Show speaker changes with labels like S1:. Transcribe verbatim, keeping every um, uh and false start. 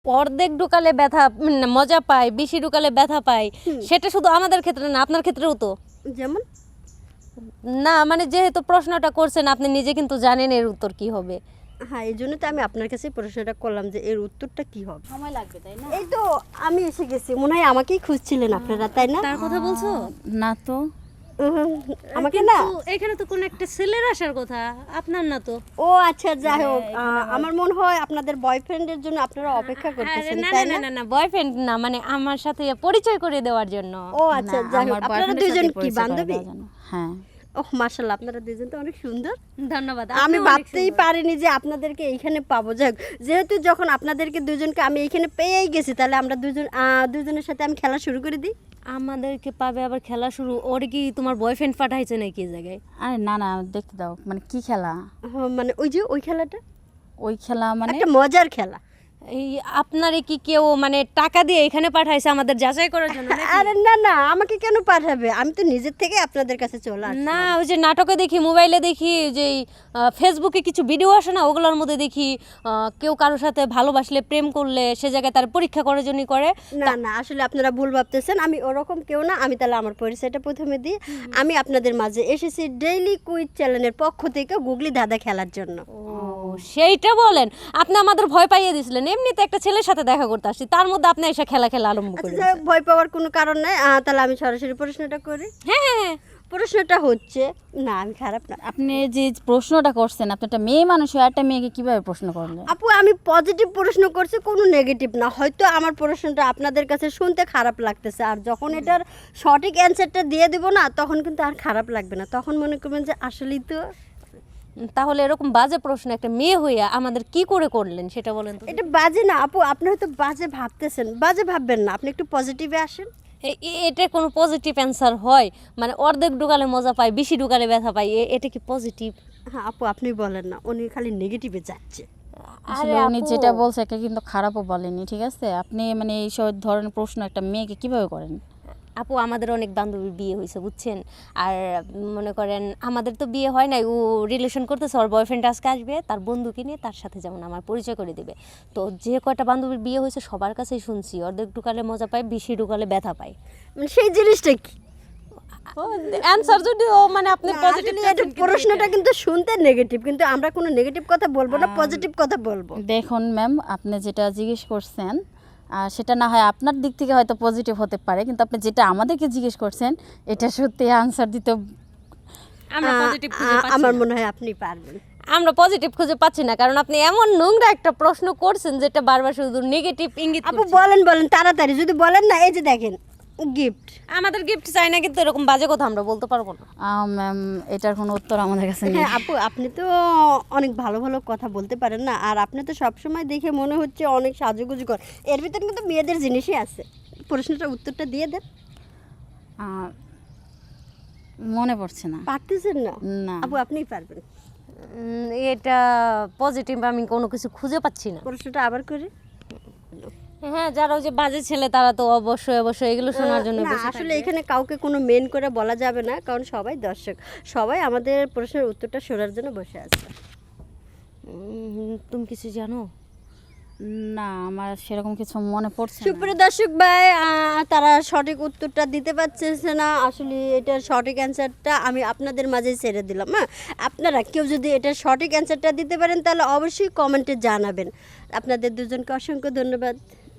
S1: অর্ধেক ঢুকালে ব্যথা উম, মজা পায়, বেশি ঢুকালে ব্যথা পায়, সেটা শুধু আমাদের ক্ষেত্রে না, আপনার ক্ষেত্রেও তো।
S2: যেমন
S1: না মানে যেহেতু প্রশ্নটা করছেন আপনি নিজে কিন্তু জানেন এর উত্তর কি হবে।
S2: হ্যাঁ, এই জন্য তো আমি আপনার কাছে প্রশ্নটা করলাম যে এর উত্তরটা কি হবে।
S3: সময় লাগবে তাই না?
S2: এই তো আমি এসে গেছি, মনে হয় আমাকেই খুঁজছিলেন আপনারা, তাই না?
S1: তার কথা বলছো?
S3: না তো।
S2: উহুম, আমাকে
S1: কিন্তু
S2: না।
S1: এখানে তো কোন একটা ছেলের আসার কথা, আপনার না তো।
S2: ও আচ্ছা, যাই হোক, আহ, আমার মনে হয় আপনাদের বয়ফ্রেন্ডের জন্য আপনারা অপেক্ষা করতেছেন,
S1: আরে না
S2: তাই
S1: না
S2: না?
S1: না না বয়ফ্রেন্ড না, মানে আমার সাথে পরিচয় করে দেওয়ার জন্য।
S2: ও আচ্ছা,
S3: না,
S2: যাই হোক,
S3: আমার
S2: আপনারা
S3: boyfriend-এর
S2: দুজন
S3: সাথে
S2: কি
S3: পরিচয় করে
S2: বান্ধবী?
S3: দেওয়ার জন্য। হ্যাঁ।
S2: ওহ মাশাআল্লাহ, আপনারা দুজন তো অনেক সুন্দর।
S1: ধন্যবাদ।
S2: আমি
S1: আপনিও অনেক
S2: ভাবতেই
S1: সুন্দর।
S2: পারিনি যে আপনাদেরকে এইখানে পাবো। যাই হোক, যেহেতু যখন আপনাদেরকে দুজনকে আমি এইখানে পেয়েই গেছি, তাহলে আমরা দুজন আহ, দুজনের সাথে আমি খেলা শুরু করে দিই।
S1: আমাদেরকে পাবে আবার খেলা শুরু? ওর কি তোমার বয়ফ্রেন্ড পাঠাইছে নাকি এই জায়গায়?
S3: আরে না না, দেখতে দাও। মানে কি খেলা?
S2: হ্যাঁ, মানে ওই যে ওই খেলাটা
S3: ওই খেলা মানে
S2: একটা মজার খেলা।
S1: এই আপনারে কি কেউ মানে টাকা দিয়ে এখানে পাঠাইছে আমাদের যাচাই করার জন্য নাকি?
S2: আরে না না, আমাকে কেন পাঠাবে? আমি তো নিজের থেকে আপনাদের কাছে চলে আসি।
S1: না ওই যে নাটকে দেখি, মোবাইলে দেখি, যে আহ, ফেসবুকে কিছু ভিডিও আসে না, ওগুলোর মধ্যে দেখি আহ, কেউ কারোর সাথে ভালোবাসলে, প্রেম করলে সে জায়গায় তার পরীক্ষা করার জন্যই করে।
S2: না না, আসলে আপনারা ভুল ভাবতেছেন, আমি ওরকম কেউ না। আমি তাহলে আমার পরিচয়টা প্রথমে দিই। আমি আপনাদের মাঝে এসেছি ডেইলি কুইজ চ্যানেলের পক্ষ থেকে গুগলি দাদা খেলার জন্য।
S1: ও সেইটা বলেন। আপনি আমাদের ভয় পাইয়ে দিছিলেন, এমনিতে একটা ছেলের সাথে দেখা করতে আসছি, তার মধ্যে আপনি এসে খেলা খেলা আরম্ভ
S2: আচ্ছা,
S1: করে
S2: যাই হোক, ভয় পাওয়ার কোনো কারণ নাই। আহ, তাহলে আমি সরাসরি প্রশ্নটা করি।
S1: হ্যাঁ হ্যাঁ হ্যাঁ।
S2: প্রশ্নটা হচ্ছে, না আমি খারাপ না
S3: আপনি যে প্রশ্নটা করছেন, আপনি একটা মেয়ে মানুষ হয়ে একটা মেয়েকে কিভাবে প্রশ্ন করলেন?
S2: আপু, আমি পজিটিভ প্রশ্ন করছি, কোনো নেগেটিভ না। হয়তো আমার প্রশ্নটা আপনাদের কাছে শুনতে খারাপ লাগতেছে, আর যখন এটার সঠিক অ্যান্সারটা দিয়ে দিব না, তখন কিন্তু আর খারাপ লাগবে না। তখন মনে করবেন যে আসলেই তো
S1: তাহলে এরকম বাজে প্রশ্ন একটা মেয়ে হইয়া আমাদের কি করে করলেন সেটা বলেন তো।
S2: এটা বাজে না আপু, আপনি হয়তো বাজে ভাবতেছেন। বাজে ভাববেন না, আপনি একটু পজিটিভে আসেন।
S1: এ- এ- এটা কোনো পজিটিভ অ্যান্সার হয়? মানে অর্ধেক ঢুকালে মজা পায়, বেশি ঢুকালে ব্যথা পায়, এ- এটা কি পজিটিভ?
S2: হ্যাঁ আপু, আপনি বলেন না, উনি খালি নেগেটিভে যাচ্ছে।
S3: আসলে উনি যেটা বলছে এটা কিন্তু খারাপও বলেনি, ঠিক আছে? আপনি মানে এই সব ধরনের প্রশ্ন একটা মেয়েকে কিভাবে করেন?
S1: আপু আমাদের অনেক বান্ধবীর বিয়ে হয়েছে বুঝছেন, আর মনে করেন আমাদের তো বিয়ে হয় নাই, ও রিলেশন করতেছে, ওর বয়ফ্রেন্ড আজকে আসবে তার বন্ধুকে নিয়ে, তার সাথে যেমন আমার পরিচয় করে দেবে। তো যে কয়টা বান্ধবীর বিয়ে হয়েছে সবার কাছেই শুনছি অর্ধেক ঢুকালে মজা পায়, বেশি ঢুকালে ব্যথা পায়।
S2: মানে সেই জিনিসটা কি?
S1: অ্যান্সার যদি ও মানে আপনি
S2: না,
S1: পজিটিভ
S2: আসলে এটা প্রশ্নটা কিন্তু শুনতে নেগেটিভ, কিন্তু আমরা কোনো নেগেটিভ কথা বলবো না, পজিটিভ কথা বলবো।
S3: দেখুন ম্যাম, আপনি যেটা জিজ্ঞেস করছেন আর সেটা না হয় আপনার দিক থেকে হয়তো পজিটিভ হতে পারে, কিন্তু আপনি যেটা আমাদেরকে জিজ্ঞেস করছেন এটা সত্যি আনসার দিতে
S1: আমরা
S2: আহ,
S1: পজিটিভ খুঁজে
S2: আহ,
S1: পাচ্ছি
S2: আমার
S1: না।
S2: মনে হয় আপনি পারবেন।
S1: আমরা পজিটিভ খুঁজে পাচ্ছি না, কারণ আপনি এমন নোংরা একটা প্রশ্ন করছেন যেটা বারবার শুধু নেগেটিভ ইঙ্গিত
S2: আপু
S1: করছে।
S2: বলেন বলেন তাড়াতাড়ি, যদি বলেন না, এই যে দেখেন গিফট।
S1: আমাদের গিফট চাই না, কিন্তু এরকম বাজে কথা আমরা বলতে পারবো না।
S3: ম্যাম এটার কোনো উত্তর আমাদের কাছে নেই।
S2: হ্যাঁ আপু, আপনি তো অনেক ভালো ভালো কথা বলতে পারেন না, আর আপনি তো সবসময় দেখে মনে হচ্ছে অনেক সাজুগুজু কর। এর ভিতরে কিন্তু মেয়েদের জিনিসই আছে। প্রশ্নটার উত্তরটা দিয়ে দেন।
S3: আহ, মনে পড়ছে না।
S2: পারতেছেন না?
S3: না।
S2: আপু আপনিই পারবেন।
S1: উম, এটা পজিটিভ আমি কোনো কিছু খুঁজে পাচ্ছি না।
S2: প্রশ্নটা আবার করি।
S1: হ্যাঁ, যারা ওই যে বাজে ছেলে তারা তো অবশ্যই অবশ্যই এগুলো শোনার জন্য
S2: না,
S1: বসে
S2: আসলে
S1: থাকবে।
S2: এখানে কাউকে কোনো মেন করে বলা যাবে না, কারণ সবাই দর্শক, সবাই আমাদের প্রশ্নের উত্তরটা শোনার জন্য বসে আছে।
S1: উম, তুমি কিছু জানো?
S3: না, আমার সেরকম কিছু মনে পড়ছে না।
S2: সুপ্রিয় দর্শক ভাই, আহ, তারা সঠিক উত্তরটা দিতে পারছে না। আসলে এটার সঠিক অ্যান্সারটা আমি আপনাদের মাঝে ছেড়ে দিলাম। হ্যাঁ, আপনারা কেউ যদি এটার সঠিক অ্যান্সারটা দিতে পারেন তাহলে অবশ্যই কমেন্টে জানাবেন। আপনাদের দুজনকে অসংখ্য ধন্যবাদ।